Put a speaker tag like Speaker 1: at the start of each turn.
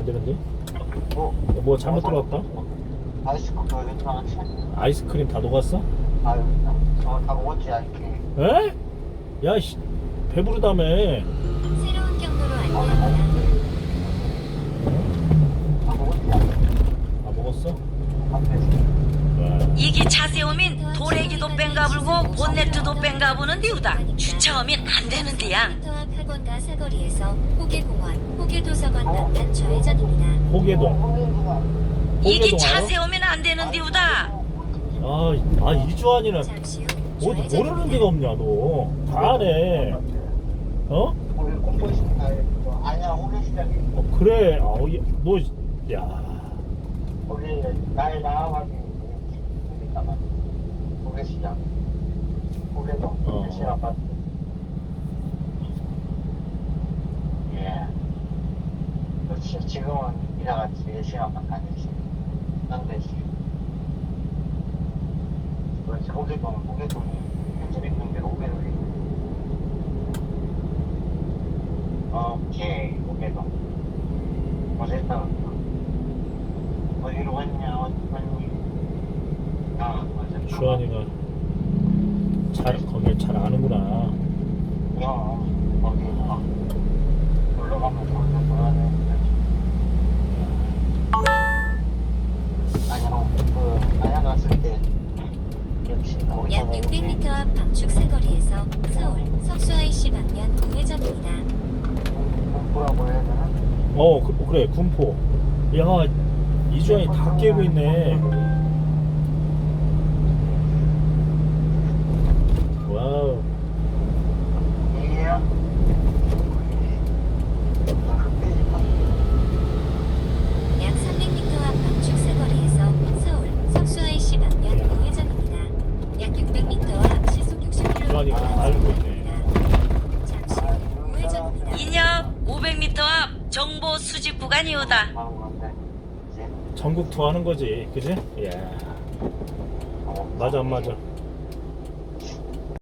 Speaker 1: 안 되는데?
Speaker 2: 뭐?
Speaker 1: 뭐 잘못 들어왔다?
Speaker 2: 아이스크림 여기 들어갔지?
Speaker 1: 아이스크림 다 녹았어?
Speaker 2: 아유, 저다 먹었지, 아이스크림.
Speaker 1: 에? 야, 씨, 배부르다며.
Speaker 3: 새로운 경로로 안내합니다.
Speaker 2: 다 먹었지,
Speaker 1: 아, 먹었어?
Speaker 2: 앞에서.
Speaker 1: 와.
Speaker 4: 이기 차 세우면 도래기도 뺑가불고 본네트도 뺑가부는 디우다. 주차하면 안 되는데야.
Speaker 3: 터앞 학원가 사거리에서 호계공원, 호계도서관 남단 좌회전입니다.
Speaker 1: 호계동.
Speaker 4: 이기
Speaker 1: 호계동
Speaker 4: 차
Speaker 1: 알아?
Speaker 4: 세우면 안 되는 디우다.
Speaker 1: 이주환이는
Speaker 3: 잠시 후
Speaker 1: 모르는 데가
Speaker 3: 좌회전입니다.
Speaker 1: 없냐, 너. 다 아네. 어?
Speaker 2: 우리 공부식, 아니야, 호계시장이.
Speaker 1: 그래. 너, 야.
Speaker 2: 거기 날 나와가지고 있다가 호계시장. 호계동, 대신 아파트. 예. 그렇지, 지금은 이나같이 대신 아파트 아니지. 난데지. 그렇지, 호계동이 현재 있는 데가 호계동이. 오케이, 호계동. 어쨌든 어디로 갔냐, 어디 갔니? 아, 맞아.
Speaker 1: 주환이가 거길 잘 아는구나.
Speaker 2: 거기 놀러 가면 거기서 놀아야 되는데. 안양 갔을 때 역시 거기
Speaker 3: 약 600m 앞 방축 사거리에서 서울 석수 IC 방면 우회전입니다.
Speaker 2: 뭐라고 해야 되나?
Speaker 1: 그래, 군포. 야, 이주환이 다 깨고 있네. 와우.
Speaker 2: 이게야?
Speaker 3: 약 300m 앞 방축 사거리에서 서울 석수 IC 방면 우회전입니다. 약 600m 앞 시속 60km
Speaker 1: 주환이가 다 알고 있네.
Speaker 3: 잠시 후 우회전입니다.
Speaker 4: 인역 500m 앞 정보 수집 구간이오다.
Speaker 1: 전국 투어하는 거지, 그지? 예. 맞아, 안 맞아?